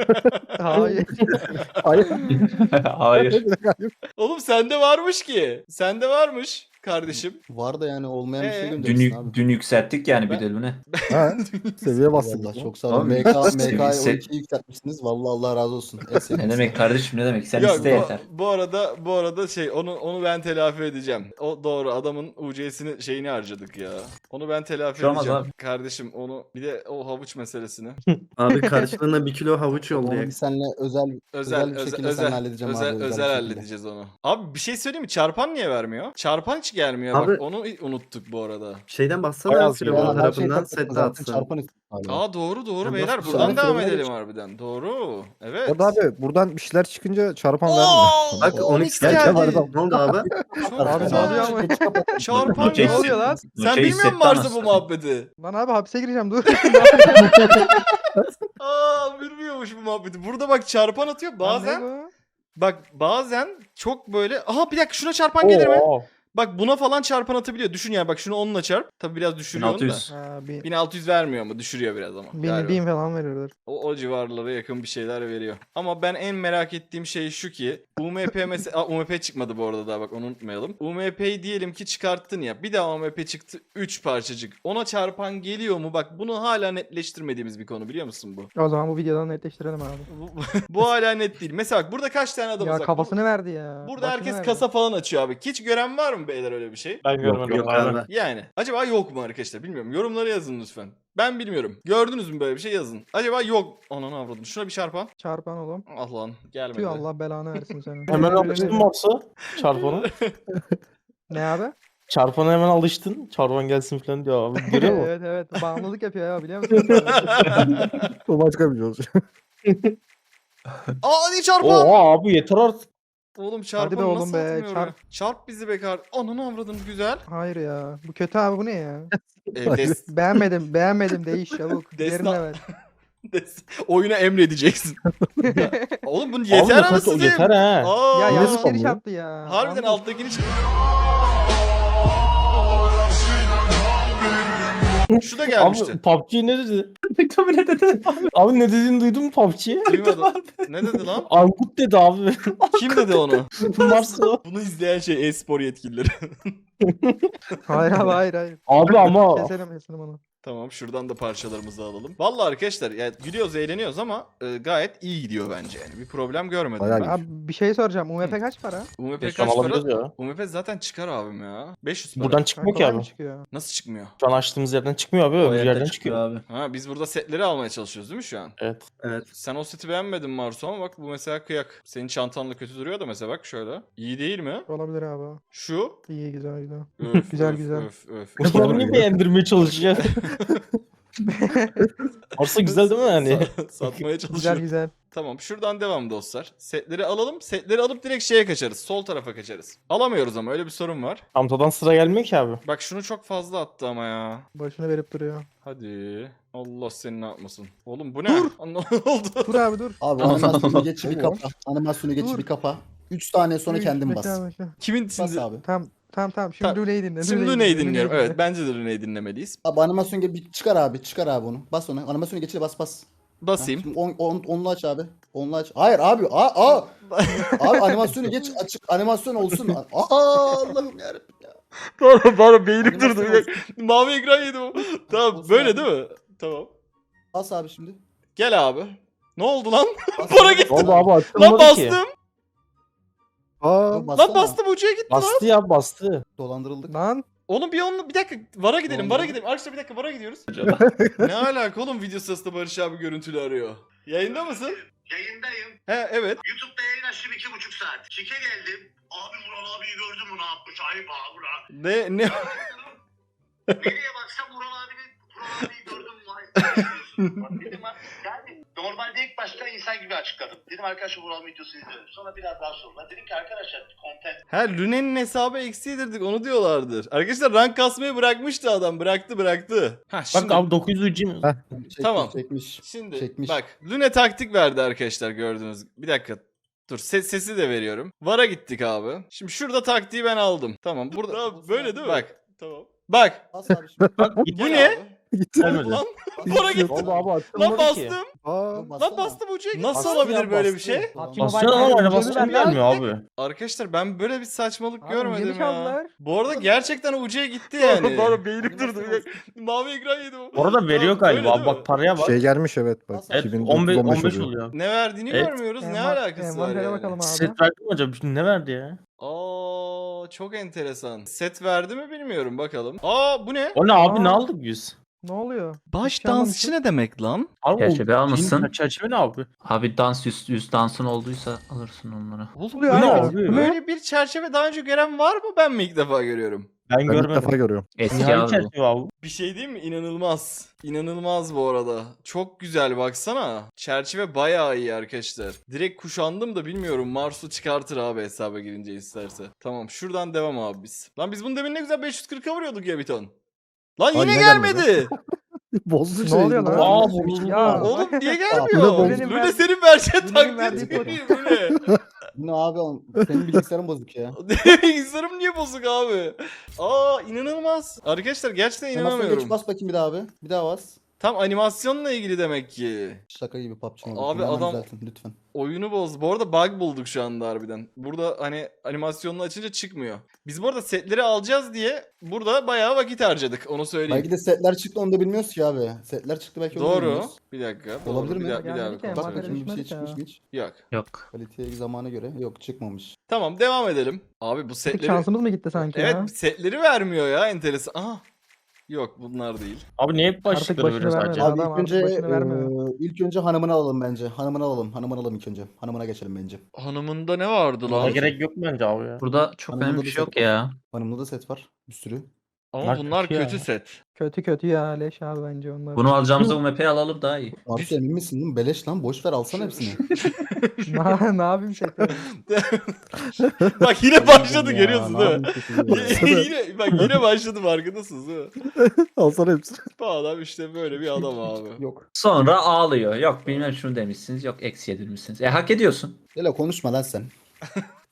S3: Hayır.
S4: Hayır.
S8: Hayır.
S1: Oğlum sende varmış ki. Sende varmış kardeşim.
S7: Var da yani olmayan bir
S1: Ee?
S7: şey
S8: Dün,
S7: gönderirsin abi.
S8: dün yükselttik yani
S1: Ben-
S8: bir delüne.
S4: Ha, seviye bastık.
S7: Vallahi çok sağ olun.
S8: Abi,
S7: M K,
S8: seviye-
S7: M K'yı
S8: se-
S7: on ikiye yükseltmişsiniz. Vallahi Allah razı olsun. En
S8: Ne
S7: sevdiğim
S8: demek kardeşim ne demek? Sen
S1: Yok,
S8: iste
S1: bu,
S8: yeter.
S1: bu arada bu arada şey onu onu ben telafi edeceğim. O doğru adamın U C'sini şeyini harcadık ya. Onu ben telafi
S8: Bir şey olmaz
S1: edeceğim.
S8: abi.
S1: Kardeşim onu bir de o havuç meselesini.
S9: Abi karşılığında bir kilo havuç
S7: Onu
S9: yollayak.
S7: bir seninle özel
S1: Özel
S7: Özel bir
S1: özel
S7: şekilde
S1: özel
S7: seninle halledeceğim
S1: özel,
S7: abi, özel
S1: özel
S7: bir şekilde.
S1: halledeceğiz onu. Abi bir şey söyleyeyim mi? Çarpan niye vermiyor? Çarpan hiç gelmiyor
S9: Abi-
S1: bak onu unuttuk bu arada.
S9: Şeyden bassana
S5: Bayağı
S9: Firavun
S5: iyi.
S7: Yani her şey
S9: tarafından
S7: takılı
S9: set
S7: zaten
S9: atsın.
S7: çarpan istiyor hala.
S1: Aa doğru doğru
S9: Ya
S1: beyler
S9: nasıl-
S1: buradan
S7: Yani
S1: devam
S7: fırına
S1: edelim
S7: geç.
S1: harbiden. Doğru. Evet.
S4: Orada abi buradan bir şeyler çıkınca çarpan vermiyor.
S1: Oo,
S9: Bak
S1: on
S9: on
S1: x
S9: x
S1: geldi.
S9: geldi. Ne oldu abi?
S1: Çok
S3: Abi ne
S1: güzel.
S3: oluyor ama?
S1: Çarpan
S8: Nuçe
S1: ne
S3: oluyor
S8: hissetti-
S3: lan?
S1: Sen
S8: Nuçe
S1: bilmiyor
S8: hissetti
S1: musun Mars'ta
S8: anasını
S1: bu muhabbeti?
S3: Lan abi hapse gireceğim dur.
S1: Aa bilmiyormuş bu muhabbeti. Burada bak çarpan atıyor bazen.
S3: Lan ne bu?
S1: Bak bazen çok böyle. Aha bir dakika şuna çarpan gelir mi?
S5: Oo.
S1: Bak buna falan çarpan atabiliyor. Düşün yani bak şunu onunla çarp. Tabi biraz düşürüyor onu
S8: bin
S1: da.
S8: altı yüz.
S3: Ha, bin,
S1: bin altı yüz vermiyor ama düşürüyor biraz ama.
S3: bin,
S1: galiba.
S3: bin falan veriyordur.
S1: O, o civarlara yakın bir şeyler veriyor. Ama ben en merak ettiğim şey şu ki U M P mesela Aa, U M P çıkmadı bu arada daha bak onu unutmayalım. U M P'yi diyelim ki çıkarttın ya. Bir daha U M P çıktı üç parçacık. Ona çarpan geliyor mu? Bak bunu hala netleştirmediğimiz bir konu biliyor musun bu?
S3: O zaman bu videodan netleştirelim abi.
S1: Bu, bu hala net değil. Mesela bak burada kaç tane adamız
S3: Ya
S1: var?
S3: kafasını verdi ya.
S1: Burada
S3: Başını
S1: herkes
S3: verdi.
S1: kasa falan açıyor abi. Hiç gören var mı beyler öyle bir şey?
S5: Ben görmedim
S9: Yok
S5: abi.
S9: abi.
S1: Yani acaba yok mu arkadaşlar bilmiyorum. Yorumlara yazın lütfen. Ben bilmiyorum. Gördünüz mü böyle bir şey yazın. Acaba yok. Ananı avradım. Şuna bir çarpan.
S3: Çarpan oğlum.
S1: Ah lan gelmedi.
S3: Tüy Allah belanı versin seni.
S5: Hemen alıştın Marsa. Çarpana.
S3: Ne abi?
S5: Çarpana hemen alıştın. Çarpan gelsin falan diyor abi. Görüyor musun?
S3: Evet evet bağımlılık yapıyor ya biliyor musun?
S4: O başka bir şey olacak.
S1: Aa hadi çarpan.
S5: Oha abi yeter artık.
S1: Oğlum
S3: Hadi
S1: çarpan
S3: be oğlum
S1: nasıl
S3: be,
S1: atmıyor oraya?
S3: çarp.
S1: Çarp bizi be kar. Ananı avradım güzel.
S3: Hayır ya. Bu kötü abi bu ne ya?
S1: Ee, des,
S3: Beğenmedim beğenmedim değiş çabuk.
S1: Destan-
S3: Diğerine ver.
S1: des, oyuna emredeceksin. Oğlum bunu
S5: Abi
S1: yeter
S5: ne kötü,
S1: anasını
S5: yeter
S1: satayım.
S5: ha.
S1: Aa,
S3: Ya
S4: Yine
S3: yanlış
S4: spam
S3: giriş
S4: ya.
S3: yaptı ya.
S1: harbiden
S3: Anladım.
S1: alttakini çık. Şu da gelmişti.
S5: Abi P U B G ne dedi?
S8: Tabii ne dedi?
S5: Abi ne dediğini duydun mu P U B G'ye?
S1: Duymadım. Ne dedi lan?
S5: Angut dedi abi.
S1: Kim dedi onu?
S5: Marsa.
S1: Bunu izleyen şey e-spor yetkilileri.
S3: Hayır abi hayır hayır.
S5: Abi ama
S3: Keselim keselim onu.
S1: Tamam, şuradan da parçalarımızı alalım. Vallahi arkadaşlar ya gülüyoruz, eğleniyoruz ama e, gayet iyi gidiyor bence yani. Bir problem görmedim
S4: Bayağı
S1: ben.
S4: iyi.
S3: Abi bir şey soracağım. U M P kaç para?
S1: U M P
S5: Geçen
S1: kaç
S5: alabiliriz
S1: para?
S5: ya.
S1: U M P zaten çıkar abim ya. beş yüz para.
S5: Buradan çıkmıyor ki
S3: Kolay mı
S5: abi.
S3: çıkıyor?
S1: Nasıl çıkmıyor?
S5: Şu an açtığımız yerden çıkmıyor abi.
S8: O
S5: Öbür
S8: yerde
S5: yerden
S8: çıkıyor
S5: çıkıyor.
S8: abi.
S1: Ha, biz burada setleri almaya çalışıyoruz değil mi şu an?
S5: Evet.
S9: Evet.
S1: Sen o seti beğenmedin Marsu ama bak bu mesela kıyak. Senin çantanla kötü duruyor da mesela bak şöyle. İyi değil mi?
S3: Olabilir abi.
S1: Şu.
S3: İyi güzel güzel.
S1: Öf,
S3: Güzel,
S1: öf,
S3: güzel.
S1: Öf, öf.
S5: Bunu niye beğendirmeye çalışıyor? Varsa güzel değil mi yani?
S1: Sa- satmaya
S3: Güzel
S1: çalışıyor.
S3: güzel.
S1: Tamam, şuradan devam dostlar. Setleri alalım. Setleri alıp direkt şeye kaçarız. Sol tarafa kaçarız. Alamıyoruz ama öyle bir sorun var.
S5: Çantadan sıra gelmiyor ki abi.
S1: Bak şunu çok fazla attı ama ya.
S3: Başını verip duruyor.
S1: Hadi. Allah seni ne yapmasın. Oğlum bu ne? Dur. Ne oldu?
S3: Dur abi dur.
S7: Abi animasyonu geç bir
S4: Tamam.
S7: kapa. Animasyonu geç
S3: Dur.
S7: bir kapa. üç saniye sonra
S3: Üç,
S7: kendin
S3: bekle
S7: bas.
S3: abi, bekle.
S1: Kimin
S7: Bas
S1: şimdi?
S7: abi.
S3: Tamam tamam tamam. Şimdi
S1: Tamam.
S3: Lune'yi dinle.
S1: Şimdi Lune'yi dinliyorum. Evet, bence de Lune'yi dinlemeliyiz.
S7: Abi animasyon gel bir çıkar abi. Çıkar abi onu. Bas onu. Animasyonu geçir bas bas. Ha,
S1: Basayım.
S7: Şimdi on, on, onlu aç abi. Onlu aç. Hayır abi. Aa, aa. Abi animasyonu geç açık. Animasyon olsun. Aa Allah'ım yarabbim ya.
S1: Pardon pardon beynim durdu.
S7: Animasyon
S1: Bir dakika. Mavi ekran yedim. o. Tamam
S7: Olsun
S1: böyle
S7: abi.
S1: değil mi? Tamam.
S7: Bas abi şimdi.
S1: Gel abi. Ne oldu lan?
S7: Bas
S1: Para
S7: abi.
S1: gitti.
S5: Oldu abi
S1: Lan
S5: açılmadı ki.
S1: bastım.
S4: Aa,
S7: Bassana.
S1: Lan bastım ucuya gitti lan.
S5: Bastı ya bastı.
S7: Dolandırıldık.
S3: Lan
S1: Oğlum bir onunla bir dakika Vara gidelim. Vara
S7: Oldu.
S1: gidelim. Arkadaşlar bir dakika Vara gidiyoruz.
S8: Acaba.
S1: Ne alaka oğlum video sırasında Barış abi görüntülü arıyor. Yayında mısın?
S10: Yayındayım.
S1: He evet.
S10: YouTube'da yayın açtım iki buçuk saat. Şike geldim. Abi Vural abiyi gördün mü ne yapmış? Ayıp abi Vural.
S1: Ne ne
S10: Nereye baksam Vural abinin Vural abiyi gördün mü? Ayıp. Bak dedim ha, yani normalde ilk başta insan gibi açıkladım. Dedim arkadaşlar Vural videosunu izliyorum. Sonra biraz daha sonra dedim ki arkadaşlar content.
S1: Ha Lune'nin hesabı eksiğidirdik onu diyorlardır. Arkadaşlar rank kasmayı bırakmıştı adam. Bıraktı bıraktı. Ha şimdi,
S5: Bak abi dokuz yüz ucu mu?
S4: Heh.
S7: Çekmiş,
S1: Tamam.
S7: Çekmiş.
S1: şimdi
S7: çekmiş.
S1: bak Lune taktik verdi arkadaşlar gördünüz. Bir dakika. Dur ses, sesi de veriyorum. Vara gittik abi. Şimdi şurada taktiği ben aldım. Tamam burada
S7: Tamam,
S1: böyle değil mi?
S7: bak.
S1: Bak. Tamam. Bak.
S7: Bas abi şimdi.
S1: Bu
S5: Gel
S1: ne?
S5: abi.
S4: Gitti.
S5: Gelmedi.
S1: Lan vara gitti.
S5: Oldu abi
S1: Lan
S5: açılmadı ki.
S1: bastım.
S4: Aa,
S7: Bassana.
S1: Lan bastım ucuya gitti. Nasıl
S5: Bastı
S1: olabilir
S5: ya,
S1: böyle bir
S5: bastı.
S1: şey?
S3: Bak,
S5: Basıyor
S3: Mobile
S5: ama
S3: Legends
S5: animasyon
S3: ucunu
S5: gelmiyor
S3: verdi.
S5: abi.
S1: Arkadaşlar ben böyle bir saçmalık
S3: Abi,
S1: görmedim
S3: ucunu
S1: ya.
S3: çaldılar.
S1: Bu arada gerçekten ucuya gitti yani.
S5: Bana
S1: beynim durdu. Mavi ekran yedim.
S5: Bu arada veriyor
S1: Tamam,
S5: galiba.
S1: öyle
S5: Abi
S1: değil mi?
S5: bak paraya bak.
S4: şey gelmiş evet bak.
S7: Evet,
S5: Evet
S4: iki bin dokuz,
S5: on beş,
S4: on beş
S5: on beş
S4: oluyor.
S5: oluyor.
S1: Ne verdiğini
S5: Evet.
S1: görmüyoruz. Ne
S3: Envan-
S1: alakası var
S3: envantere
S1: yani?
S3: bakalım abi.
S5: Set verdi mi acaba? Şimdi ne verdi ya?
S1: Aa çok enteresan. Set verdi mi bilmiyorum bakalım. Aa bu ne?
S5: O ne abi
S3: Aa.
S5: ne aldık biz?
S3: Ne oluyor?
S1: Baş
S3: Hiç anlamamışım.
S1: dansçı ne demek lan?
S5: Abi,
S8: Çerçeve
S5: o-
S8: almışsın.
S5: Şeyin Çerçeve ne abi?
S8: Abi dans yüz, yüz dansın olduysa alırsın onları.
S1: Oğlum
S3: oluyor
S1: böyle,
S5: abi?
S1: böyle bir çerçeve daha önce gören var mı? Ben mi ilk defa görüyorum?
S5: Ben,
S4: Ben ilk defa
S5: görmedim.
S4: görüyorum.
S8: Eski
S5: Nihai
S8: abi bu.
S5: çerçeve abi.
S1: Bir şey değil mi? İnanılmaz. İnanılmaz bu arada. Çok güzel baksana. Çerçeve bayağı iyi arkadaşlar. Direkt kuşandım da bilmiyorum. Marsu çıkartır abi hesaba girince isterse. Tamam şuradan devam abi biz. Lan biz bunu demin ne güzel beş yüz kırka vuruyorduk ya bir ton. Lan
S4: Ay,
S1: yine
S4: yine
S1: gelmedi.
S4: Bozdu
S3: Ne
S4: şey.
S3: oluyor lan?
S5: Aa,
S3: Ya.
S5: bozuldu.
S1: Oğlum niye
S4: Aa,
S1: gelmiyor?
S4: bu ne
S3: benim
S1: Lüne
S3: ver-
S1: senin vereceğin
S3: Lune'nin verdiği
S1: taklit
S3: kod.
S1: değil bu ne?
S7: Bu ne abi? oğlum? Senin bilgisayarın bozuk ya.
S1: Bilgisayarım niye bozuk abi? Aa inanılmaz. Arkadaşlar gerçekten
S7: Animasyonu geç
S1: inanamıyorum.
S7: bas bakayım bir daha abi. Bir daha bas.
S1: Tam animasyonla ilgili demek ki.
S7: Şaka gibi P U B G
S1: Abi
S7: Mobile. Hemen
S1: adam-
S7: düzeltin, lütfen.
S1: Oyunu bozdu. Bu arada bug bulduk şu anda harbiden. Burada hani animasyonunu açınca çıkmıyor. Biz bu arada setleri alacağız diye burada bayağı vakit harcadık. Onu söyleyeyim.
S7: Belki de setler çıktı onu da bilmiyoruz ki abi. Setler çıktı belki onu da
S1: Doğru.
S7: bilmiyoruz.
S1: Bir dakika. Doğru.
S7: Olabilir
S1: bir
S7: mi?
S1: Daha, bir daha
S3: Gelmedi ki,
S1: bir
S7: Bak
S1: kontrol
S3: envantere
S1: edeyim.
S7: bakayım bir şey
S3: düşmedi
S7: çıkmış
S3: ya.
S7: mı hiç?
S1: Yok.
S8: Yok.
S7: Kaliteye zamana göre yok çıkmamış.
S1: Tamam devam edelim. Abi bu
S3: Tek
S1: setleri...
S3: şansımız mı gitti sanki ya?
S1: Evet setleri vermiyor ya enteresan. Aha. Yok bunlar değil.
S5: Abi niye hep başlıkları
S3: başını
S5: veriyor sadece?
S3: vermedi.
S7: Abi
S3: Adam
S7: ilk önce
S3: artık başını vermiyor.
S7: eee, ilk önce hanımını alalım bence. Hanımını alalım. Hanımını alalım ilk önce. Hanımına geçelim bence.
S1: Hanımında ne vardı
S5: Buna
S1: lan?
S5: gerek yok bence abi ya.
S8: Burada çok
S7: Hanımında
S8: önemli
S7: da
S8: bir şey
S7: set
S8: yok
S7: var.
S8: ya.
S7: Hanımda da set var. Bir sürü.
S1: Ama
S5: Bunlar
S1: bunlar
S5: kötü ya.
S1: kötü set.
S3: Kötü kötü ya leş abi bence onlar.
S8: Bunu alacağımıza U M P'yi alalım daha iyi.
S7: Arsu emin misin değil mi? Beleş lan. Boş ver alsana hepsini.
S3: ne, ne yapayım seti?
S1: Bak yine başladı
S7: Ya,
S1: görüyorsun
S7: ne
S1: değil mi?
S7: yapayım kötü ya.
S1: yine, bak yine başladı farkındasınız değil mi?
S4: Alsana hepsini.
S1: Bu adam işte böyle bir adam abi.
S7: Yok.
S8: Sonra ağlıyor. Yok bilmem şunu demişsiniz. Yok eksi yedirmişsiniz. E hak ediyorsun.
S7: Hele konuşma lan sen.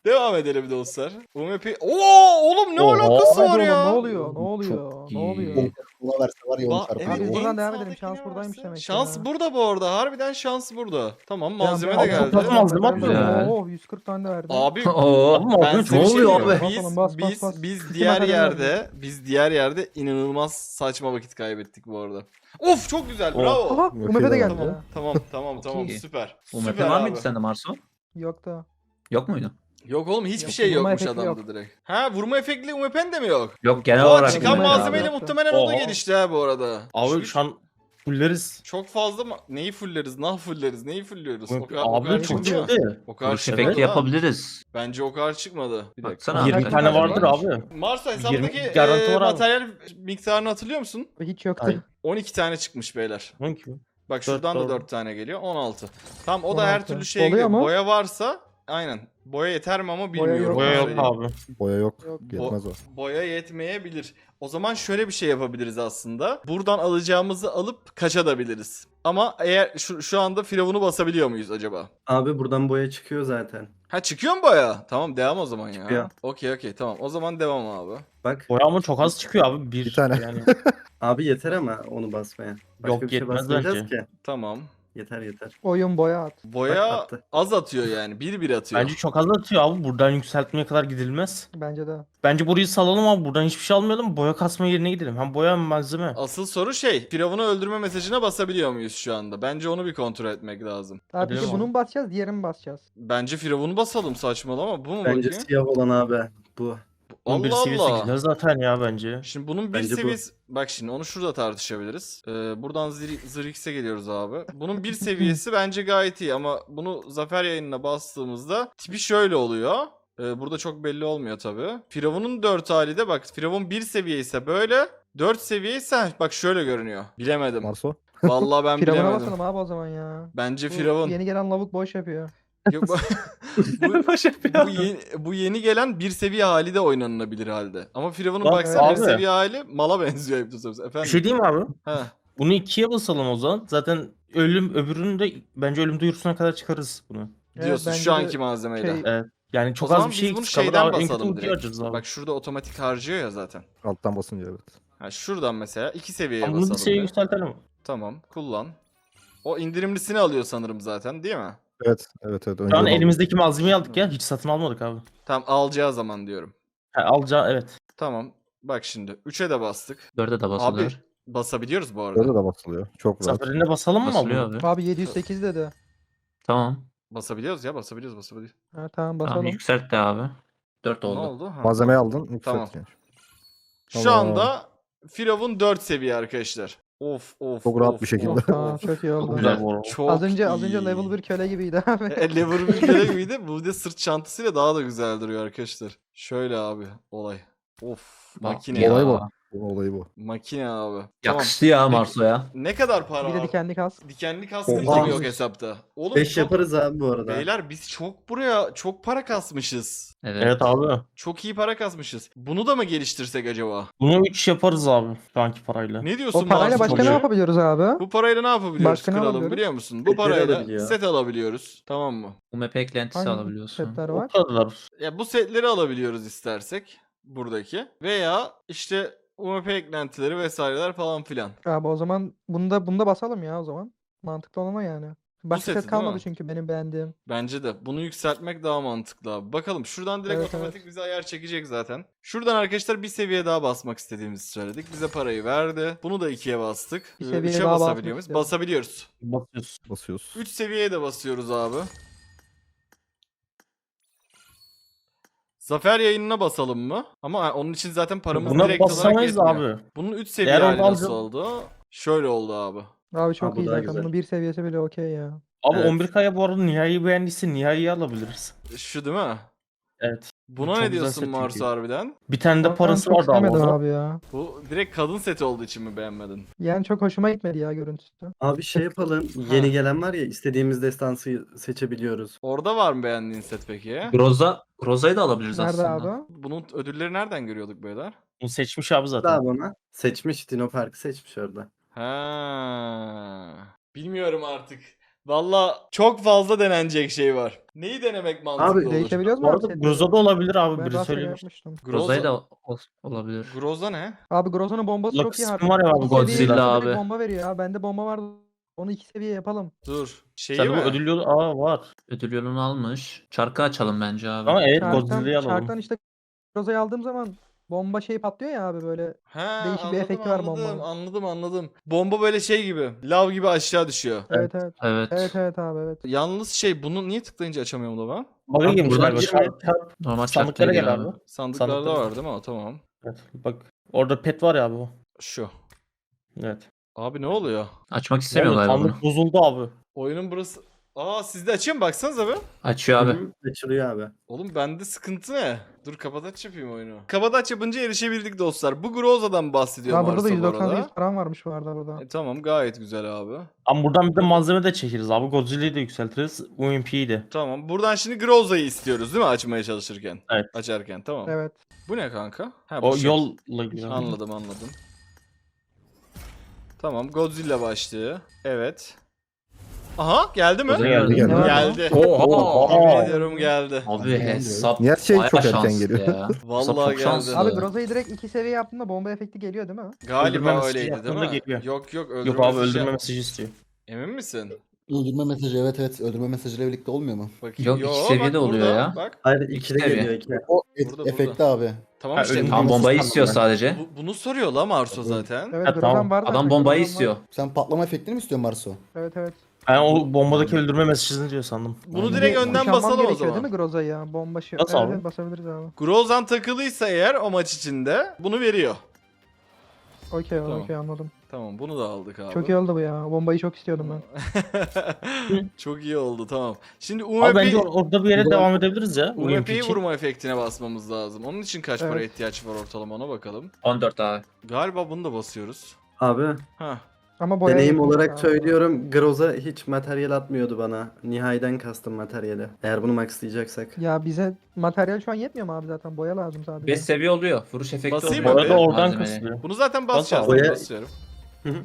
S1: Devam edelim dostlar. U M P... Oo oğlum ne
S5: Oha.
S1: alakası
S3: Hadi
S1: var
S3: oğlum,
S1: ya?
S3: ne oluyor? Ne
S5: Çok
S3: oluyor?
S5: iyi.
S3: Ne oluyor?
S7: Buna verse var ya onu
S1: Ba-
S7: çarpar.
S1: evet,
S3: Biz
S1: en
S3: buradan devam
S1: sağdaki
S3: edelim. Şans
S1: ne
S3: buradaymış
S1: varsa-
S3: demek ki
S1: Şans
S3: ya.
S1: burada bu arada. Harbiden şans burada. Tamam malzeme de
S3: Ya,
S1: geldi.
S5: Çok malzeme var.
S8: Güzel.
S3: Oh yüz kırk tane de verdi.
S1: Abi
S8: Oo.
S5: Abi
S1: ben
S5: malzeme
S1: size
S5: çok
S1: bir şey
S5: oluyor
S1: diyeyim mi?
S5: abi.
S3: Bas
S1: Biz,
S3: oğlum, bas, bas,
S1: biz,
S3: bas.
S1: biz
S3: Kısım
S1: diğer
S3: materyal
S1: yerde
S3: verdi.
S1: biz diğer yerde inanılmaz saçma vakit kaybettik bu arada. Of çok güzel
S5: Oh.
S1: bravo.
S3: Aha U M P de geldi.
S1: Tamam tamam tamam tamam
S8: iyi.
S1: süper.
S8: U M P
S1: Süper
S8: var
S1: abi.
S8: mıydı sende Marso?
S3: Yok da.
S8: Yok muydu?
S1: Yok oğlum hiçbir
S3: Yok,
S1: şey
S3: vurma
S1: yokmuş
S3: efekti
S1: adamda
S3: yok.
S1: direkt. Ha vurma efektli U M P'n de mi yok?
S8: Yok genel
S1: Aa,
S8: olarak.
S1: çıkan
S8: U M P abi.
S1: malzemeyle muhtemelen o da
S5: Oha.
S1: gelişti ha bu arada.
S5: Abi şu an fulleriz.
S1: Çok fazla ma- neyi fulleriz? Nah fulleriz? Neyi fulliyoruz?
S5: Bu-
S1: O kadar, o kadar
S5: Abi çok
S1: çıkmadı mı?
S5: çıktı.
S1: O kadar
S8: Vuruş
S1: çıkmadı
S8: efekti
S1: lan.
S8: yapabiliriz.
S1: Bence o kadar çıkmadı. Bir dakika.
S8: Baksana
S5: yirmi
S8: abi.
S5: tane
S8: Kaç
S5: vardır
S8: varmış?
S5: abi.
S1: Marsa hesabındaki
S5: yirmi garanti
S1: e,
S5: var abi.
S1: materyal miktarını hatırlıyor musun?
S3: Hiç yoktu.
S5: Ay.
S1: on iki tane çıkmış beyler.
S5: Hangi mi?
S1: Bak şuradan da
S5: doğru.
S1: dört tane geliyor. on altı. Tam o da her
S3: on altı.
S1: türlü şeye
S3: Oluyor
S1: giriyor.
S3: mu?
S1: Boya varsa aynen. Boya yeter mi ama bilmiyorum.
S3: yok.
S5: Boya
S1: onu
S5: yok
S1: söyleyeyim.
S5: abi.
S4: Boya yok.
S3: Yok.
S4: Yetmez o.
S1: Boya yetmeyebilir. O zaman şöyle bir şey yapabiliriz aslında. Buradan alacağımızı alıp kaçabiliriz. Ama eğer şu, şu anda firavunu basabiliyor muyuz acaba?
S9: Abi buradan boya çıkıyor zaten.
S1: Ha çıkıyor mu boya? Tamam devam o zaman ya.
S9: Çıkıyor.
S1: Okey okey tamam. O zaman devam abi.
S9: Bak.
S5: Boya ama çok az çıkıyor abi. Bir,
S4: Bir tane.
S5: Yani.
S9: Abi yeter ama onu basmaya. Başka
S5: Yok,
S9: bir şey
S5: yetmez
S9: basmayacağız
S5: bence.
S9: ki.
S1: Tamam.
S9: Yeter yeter.
S3: Oyun boya at.
S1: Boya
S9: Bak, attı.
S1: az atıyor yani. Bir bir atıyor.
S5: Bence çok az atıyor abi. Buradan yükseltmeye kadar gidilmez.
S3: Bence de.
S5: Bence burayı salalım abi. Buradan hiçbir şey almayalım. Boya kasma yerine gidelim. Hem boya hem malzeme.
S1: Asıl soru şey. Firavunu öldürme mesajına basabiliyor muyuz şu anda? Bence onu bir kontrol etmek lazım.
S3: Abi peki
S5: Bilemem.
S3: bunu mu basacağız, diğerini mi basacağız?
S1: Bence Firavunu basalım saçmalama. Bu mu
S9: Bence
S1: bakayım?
S9: siyah olan abi. Bu.
S5: on bir
S1: Allah
S5: seviyesi
S1: Allah.
S5: gider zaten ya bence.
S1: Şimdi bunun bir
S9: Bence bu.
S1: seviyesi... Bak şimdi onu şurada tartışabiliriz. Ee, buradan Zir- Zirix'e geliyoruz abi. Bunun bir seviyesi bence gayet iyi ama bunu Zafer yayınına bastığımızda tipi şöyle oluyor. Ee, burada çok belli olmuyor tabii. Firavun'un dört hali de bak Firavun bir seviye ise böyle. dört seviye ise bak şöyle görünüyor. Bilemedim.
S4: Marso.
S1: Vallahi ben
S3: Firavuna
S1: bilemedim.
S3: basalım abi o zaman ya.
S1: Bence
S3: Bu
S1: Firavun.
S3: Yeni gelen lavuk boş yapıyor.
S1: Yok, bu, bu, bu, yeni, bu yeni gelen bir seviye hali de oynanılabilir halde. Ama Firavun'un
S5: Bak
S1: baksana bir
S5: abi.
S1: seviye hali mala benziyor hep de efendim.
S5: Bir şey diyeyim mi abi?
S1: Ha.
S5: Bunu ikiye basalım o zaman. Zaten ölüm öbürünü de bence ölüm duyurusuna kadar çıkarız bunu.
S3: Evet,
S1: Diyorsun
S3: bence
S1: şu
S3: de
S1: anki malzemeyle.
S3: şey-
S5: Evet. Yani çok
S1: O
S5: az
S1: zaman
S5: bir
S1: biz
S5: şey
S1: bunu
S5: eksik kalır.
S1: şeyden
S5: Abi, en kötü
S1: basalım
S5: ultiyi
S1: direkt.
S5: harcarız abi.
S1: Bak şurada otomatik harcıyor ya zaten.
S4: Alttan basınca evet.
S1: Ha, şuradan mesela iki seviyeye
S5: Ama bunu bir
S1: basalım.
S5: seviye
S1: bir.
S5: yükseltelim.
S1: Tamam kullan. O indirimlisini alıyor sanırım zaten değil mi?
S4: Evet evet evet.
S5: Şu an
S4: önceden
S5: elimizdeki malzemeyi aldık ya. Hiç satın almadık abi.
S1: Tamam alacağı zaman diyorum.
S5: Ha, alacağı evet.
S1: Tamam. Bak şimdi üçe de bastık.
S8: Dörde de
S1: Abi
S8: basılıyor.
S1: basabiliyoruz bu
S4: aldım.
S1: arada.
S4: Orada da basılıyor. Çok rahat.
S5: Zaferine basalım mı
S8: Basılıyor
S5: abi?
S8: abi.
S3: Abi yedi yüz sekiz dedi.
S8: Tamam.
S1: Basabiliyoruz ya basabiliyoruz basabiliyoruz.
S3: Ha, tamam
S8: Tamam
S3: basalım.
S8: yükselt de abi. Dört
S1: Ne
S8: oldu.
S1: oldu? Ha.
S4: Malzemeyi aldın. Yükselt
S1: Tamam.
S4: yani.
S1: Şu
S4: Tamam.
S1: anda Firavun dört seviye arkadaşlar. Of of.
S4: Çok rahat
S1: of,
S4: bir şekilde.
S1: of,
S3: Tamam
S1: of.
S3: çok iyi oldu.
S5: Güzel bu arada.
S1: Çok
S3: Az önce az
S1: iyi.
S3: önce level bir köle gibiydi abi.
S1: E, level bir kere gibiydi. Bu de sırt çantasıyla daha da güzel duruyor arkadaşlar. Şöyle abi olay. Of makine
S8: Ya.
S4: Olay
S1: ya.
S4: bu. Bu olayı bu.
S1: Makine abi. Tamam.
S8: Yakıştı ya Marso'ya.
S1: Ne kadar para
S3: Bir de
S1: abi?
S3: dikenli kas.
S1: Dikenli kaskın
S9: Oha.
S1: gibi yok hesapta. Oğlum
S9: beş
S1: çok-
S9: yaparız abi bu arada.
S1: Beyler biz çok buraya çok para kasmışız.
S8: Evet.
S5: Evet abi.
S1: Çok iyi para kasmışız. Bunu da mı geliştirsek acaba?
S5: Bunu üç yaparız abi şu anki parayla.
S1: Ne diyorsun
S3: O parayla
S1: Mahsun
S3: başka ne
S1: Hoca?
S3: yapabiliyoruz abi?
S1: Bu parayla ne yapabiliyoruz
S3: Başka ne
S1: kralım
S3: alabiliyoruz?
S1: biliyor musun? Bu
S9: Setleri
S1: parayla
S9: alabiliyor.
S1: set alabiliyoruz. Tamam mı?
S8: U M P eklentisi
S3: Hangi
S8: alabiliyorsun.
S3: setler
S5: O
S3: var?
S5: kadar.
S1: Ya bu setleri alabiliyoruz istersek buradaki veya işte U M P eklentileri vesaireler falan filan.
S3: Abi o zaman bunu da bunu da basalım ya o zaman. Mantıklı olan o yani. Başka
S1: seti
S3: set
S1: değil
S3: kalmadı
S1: mi?
S3: çünkü benim beğendiğim.
S1: Bence de bunu yükseltmek daha mantıklı abi. Bakalım şuradan direkt
S3: Evet,
S1: otomatik
S3: evet.
S1: bize ayar çekecek zaten. Şuradan arkadaşlar bir seviye daha basmak istediğimizi söyledik. Bize parayı verdi. Bunu da ikiye bastık.
S3: Bir
S1: Ee,
S3: seviye
S1: üçe
S3: daha
S1: basabiliyor
S3: basmak
S1: muyuz?
S3: istiyorum.
S1: Basabiliyoruz.
S5: Basıyoruz.
S4: Basıyoruz.
S1: üç seviyeye de basıyoruz abi. Zafer yayınına basalım mı? Ama ha, onun için zaten paramız
S5: Buna
S1: direkt olarak
S5: basamayız
S1: yetmiyor.
S5: abi.
S1: Bunun üç seviye
S5: Eğer
S1: hali
S5: oradan
S1: nasıl
S5: alacağım-
S1: oldu? Şöyle oldu abi.
S3: Abi çok
S9: Abi bu
S3: iyi
S9: daha
S3: zaten.
S9: güzel.
S3: Bunun bir seviyesi bile okey ya.
S5: Abi
S1: Evet.
S5: on bir K'ya bu arada Nihai'yi beğendiyse Nihai'yi alabiliriz.
S1: Şu değil mi?
S5: Evet.
S1: Buna
S5: Çok
S1: ne
S5: güzel
S1: diyorsun
S5: set
S1: Marsu
S5: çünkü.
S1: harbiden?
S5: Bir tane de
S3: Ben
S5: parası
S3: çok
S5: vardı ama
S3: istemedim
S5: orada.
S3: abi ya.
S1: Bu direkt kadın seti olduğu için mi beğenmedin?
S3: Yani çok hoşuma gitmedi ya görüntüsü.
S9: Abi şey yapalım. Yeni gelen var ya istediğimiz destansı seçebiliyoruz.
S1: Orada var mı beğendiğin set peki?
S8: Groza, Groza'yı da alabiliriz
S3: Nerede
S8: aslında.
S3: abi?
S1: Bunun ödülleri nereden görüyorduk beyler?
S5: Bunu seçmiş abi zaten.
S9: Daha bana seçmiş. Dino Park'ı seçmiş orada.
S1: Ha. Bilmiyorum artık. Valla çok fazla denenecek şey var. Neyi denemek mantıklı
S9: Abi,
S1: olur?
S3: Değişebiliyoruz mu
S5: Bu
S3: abi
S5: arada
S3: setleri?
S5: Groza da olabilir abi.
S3: Ben
S5: Biri
S3: rastgele
S5: söylüyor.
S3: yapmıştım.
S8: Groza'yı
S1: Groza,
S8: da ol- olabilir.
S1: Groza ne?
S3: Abi Groza'nın bombası
S5: Lucky
S3: çok iyi
S5: Spin var ya abi,
S3: İki seviye
S8: Godzilla
S3: yapınca
S8: abi.
S3: direkt bomba veriyor ya. Bende bomba vardı. Onu iki seviye yapalım.
S1: Dur. Şeyi
S5: Sen bu
S1: mi?
S5: ödül yolu aa var.
S8: Ödül yolunu almış. Çarkı açalım bence abi.
S5: Ama evet
S3: Çarktan,
S5: Godzilla'yı alalım.
S3: çarktan işte Groza'yı aldığım zaman bomba şey patlıyor ya abi böyle.
S1: Ha,
S3: Değişik bir
S1: anladım,
S3: efekti var
S1: anladım,
S3: bombanın.
S1: Anladım anladım. Bomba böyle şey gibi. Lav gibi aşağı düşüyor.
S3: Evet evet.
S8: Evet.
S3: Evet evet abi evet.
S1: Yalnız şey bunu niye tıklayınca açamıyorum da ben?
S5: Bug'a
S8: Abi
S5: girmiş
S8: buradan
S5: galiba.
S8: girme.
S5: Çarp- çarp-
S8: Normal
S5: Sandıklara
S8: çarkıya
S5: gel
S8: gir
S5: abi.
S1: Sandıklarda
S5: Sandıklara.
S1: var değil mi? O tamam.
S5: Evet, bak orada pet var ya abi o.
S1: Şu.
S5: Evet.
S1: Abi ne oluyor?
S8: Açmak istemiyor
S5: Oğlum,
S8: galiba bunu.
S5: sandık bozuldu abi.
S1: Oyunun burası... Aa sizde açayım baksanıza be.
S8: Açıyor abi.
S9: Hı, Açılıyor abi.
S1: Oğlum bende sıkıntı ne? Dur kapataç yapayım oyunu. Kapataç yapınca erişebildik dostlar. Bu Groza'dan bahsediyor
S3: Ya burada da
S1: Marso bu
S3: yüz doksan sekiz
S1: arada.
S3: param varmış bu arada burada.
S1: E, tamam gayet güzel abi.
S5: Ama buradan bir de malzeme de çekeriz abi. Godzilla'yı da yükseltiriz. U M P'yi de.
S1: Tamam buradan şimdi Groza'yı istiyoruz değil mi açmaya çalışırken?
S5: Evet.
S1: Açarken tamam.
S3: Evet.
S1: Bu ne kanka? Ha, bu
S5: O
S1: şey.
S5: yolla gidiyor.
S1: Anladım anladım. Tamam Godzilla başlığı. Evet. Aha geldi mi?
S8: Godzilla
S4: Geldi geldi.
S3: Devam.
S1: Geldi.
S8: Oha.
S1: Yemin ediyorum geldi.
S8: Abi hesap
S4: Niye her şey
S8: bayağı
S4: çok erken
S8: şanslı
S4: geliyor?
S8: ya.
S1: Vallahi
S8: Hesap çok
S1: geldi.
S8: şanslı.
S3: Abi Groza'yı direkt iki seviye yaptığında bomba efekti geliyor değil mi?
S5: Öldürme
S1: Galiba
S5: mesajı
S1: öyleydi değil
S5: yaptığında
S1: mi?
S5: geliyor.
S1: Yok yok öldürme
S5: Yok abi
S1: mesajı
S5: öldürme
S1: yap-
S5: mesajı istiyor.
S1: Emin misin?
S7: Öldürme mesajı evet evet. Öldürme mesajıyla birlikte olmuyor mu?
S1: Bakayım.
S8: Yok, iki seviyede
S1: bak
S8: oluyor
S1: burada,
S8: ya.
S1: Bak.
S9: Hayır
S8: İki
S9: ikide
S8: seviye.
S9: geliyor iki.
S7: O et,
S1: Burada,
S7: efekti abi.
S1: Tamam
S5: Ha,
S1: işte.
S5: öldürme
S8: Tam bombayı
S5: mesajı
S8: istiyor
S5: sandım ben.
S8: sadece.
S1: Bu- bunu soruyor la Marso zaten.
S3: Evet
S5: Ha,
S3: Groza'm
S5: tamam.
S3: var zaten.
S8: Adam bombayı
S3: Groza'm var.
S8: istiyor.
S7: Sen patlama efektini mi istiyorsun Marso?
S3: Evet evet.
S5: Ben o bombadaki öldürme mesajını diyor sandım.
S1: Bunu
S7: Aynen.
S1: direkt
S3: Bir
S1: önden
S3: kuşanmam
S1: basalım o
S3: gerekiyor
S1: zaman.
S3: değil mi Groza'yı ya? Bomba şey.
S5: Nasıl
S3: Evet,
S5: abi?
S3: evet, basabiliriz abi.
S1: Grozan takılıysa eğer o maç içinde bunu veriyor.
S3: Okey
S1: Tamam.
S3: okey anladım.
S1: Tamam bunu da aldık abi.
S3: Çok iyi oldu bu ya. Bombayı çok istiyordum ben.
S1: Çok iyi oldu tamam. Şimdi
S5: Abi bence
S1: U M P
S5: or- orada bir yere devam edebiliriz ya.
S1: U M P'yi
S5: U M P için.
S1: vurma efektine basmamız lazım. Onun için kaç para
S3: Evet.
S1: ihtiyaç var ortalama ona bakalım.
S8: on dört abi.
S1: Galiba bunu da basıyoruz.
S9: Abi
S1: Ha.
S3: Ama boya
S9: deneyim
S3: yetmiş
S9: olarak
S3: abi.
S9: söylüyorum Groza hiç materyal atmıyordu bana. Nihayden kastım materyali. Eğer bunu maxlayacaksak.
S3: Ya bize materyal şu an yetmiyor mu abi zaten? Boya lazım sadece.
S8: beş seviye oluyor. Vuruş efekti
S1: Basayım
S8: oluyor.
S1: mı?
S5: Bu arada
S1: Evet,
S5: oradan
S8: Malzemeyi.
S5: kısılıyor.
S1: Bunu zaten
S5: Bas
S1: basacağız.
S9: abi.
S1: Ben basıyorum.
S5: Hı hı.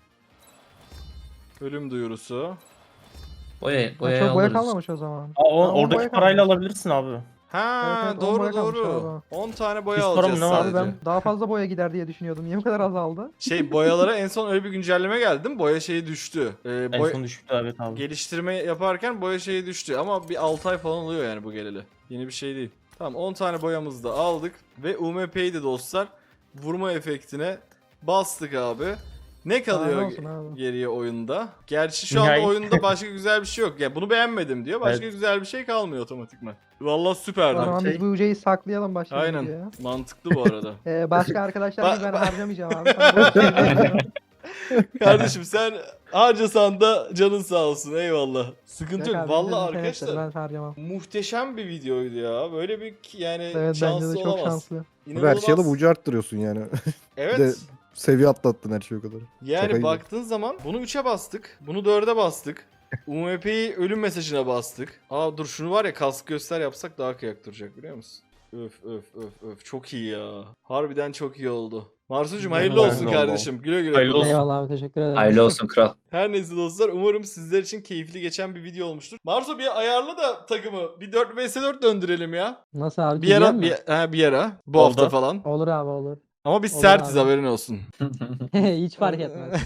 S1: Ölüm duyurusu.
S8: Boya,
S3: Ha,
S8: boyayı
S3: çok boya
S8: alırız.
S3: kalmamış o zaman.
S5: Aa, o-
S3: Ama
S5: oradaki
S3: boya
S5: parayla
S3: kalmamış.
S5: alabilirsin abi.
S1: Ha
S3: Evet, evet, on
S1: doğru
S3: boya kalmış
S1: doğru.
S3: galiba.
S1: on tane boya
S5: Biz para
S1: alacağız
S5: mı ne var?
S1: sadece.
S3: Abi ben daha fazla boya gider diye düşünüyordum. Niye bu kadar azaldı?
S1: Şey boyalara en son öyle bir güncelleme geldi değil mi? Boya şeyi düştü. Ee,
S5: En
S1: boy-
S5: son düşüktü evet abi.
S1: Geliştirme yaparken boya şeyi düştü ama bir altı ay falan oluyor yani bu geleli. Yeni bir şey değil. Tamam on tane boyamızı da aldık ve U M P'yi de dostlar vurma efektine bastık abi. Ne kalıyor
S3: Daha ne olsun abi?
S1: geriye oyunda? Gerçi şu anda
S5: Nihayet.
S1: oyunda başka güzel bir şey yok. Yani bunu beğenmedim diyor. Başka
S5: Evet.
S1: güzel bir şey kalmıyor otomatikman. Vallahi süperdi.
S3: O zaman
S9: şey-
S3: biz bu uceyi saklayalım başlayalım
S1: Aynen.
S3: videoya.
S1: Mantıklı bu arada.
S3: Ee, başka arkadaşlar gibi ben
S1: Ba-
S3: harcamayacağım abi. Sen bu uceyi harcama.
S1: Kardeşim sen harcasan da canın sağ olsun eyvallah. Sıkıntı
S3: Yok
S1: yok.
S3: abi,
S1: Vallahi
S3: bizim internetleri
S1: arkadaşlar
S3: Ben harcamam.
S1: muhtemelen bir videoydu ya. Böyle bir yani
S3: Evet bence
S1: şanslı
S3: de çok
S1: olamaz.
S3: şanslı.
S4: Abi her
S1: İnanılmaz.
S4: şeyi alıp ucu arttırıyorsun yani.
S1: Evet.
S4: Bir de seviye atlattın her şey o kadar.
S1: Yani
S4: Şaka gibi.
S1: baktığın zaman bunu üçe bastık. Bunu dörde bastık. U M P'yi ölüm mesajına bastık. Aa dur şunu var ya kask göster yapsak daha kıyak duracak biliyor musun? Öf öf öf öf çok iyi ya. Harbiden çok iyi oldu. Marsucuğum hayırlı
S5: Hayırlı
S1: olsun
S5: olsun.
S1: kardeşim. Güle güle.
S5: Hayırlı
S1: kullan.
S5: olsun.
S3: Eyvallah abi teşekkür ederim.
S8: Hayırlı olsun kral.
S1: Her neyse dostlar umarım sizler için keyifli geçen bir video olmuştur. Marsu bir ayarla da takımı. Bir dört vs dört döndürelim ya.
S3: Nasıl abi?
S1: Bir
S3: Çizelim
S1: ara
S3: mi?
S1: bir, ha, bir ara. Bu
S5: Oldu.
S1: hafta falan.
S3: Olur abi olur.
S1: Ama biz
S3: Olur
S1: sertiz
S3: abi.
S1: haberin olsun.
S3: Hiç fark etmez.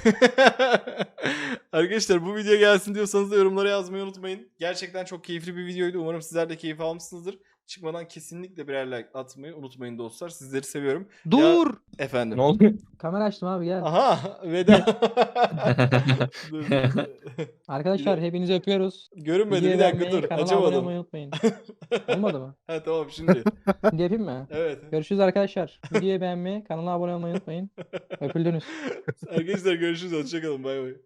S1: Arkadaşlar bu video gelsin diyorsanız da yorumlara yazmayı unutmayın. Gerçekten çok keyifli bir videoydu. Umarım sizler de keyif almışsınızdır. Çıkmadan kesinlikle birer like atmayı unutmayın dostlar. Sizleri seviyorum.
S3: Dur!
S1: Efendim.
S5: Ne oldu?
S3: Kamera açtım abi gel.
S1: Aha veda. Dur.
S3: Arkadaşlar hepinizi öpüyoruz.
S1: Görünmedi
S3: Videoyu
S1: bir dakika
S3: beğenmeyi,
S1: dur.
S3: kanala abone
S1: Açamadım.
S3: olmayı unutmayın. Olmadı mı?
S1: Ha tamam şimdi.
S3: Şimdi yapayım mı?
S1: Evet.
S3: Görüşürüz arkadaşlar. Videoyu beğenmeyi, kanala abone olmayı unutmayın. Öpüldünüz.
S1: Arkadaşlar görüşürüz. Hoşçakalın. Bay bay.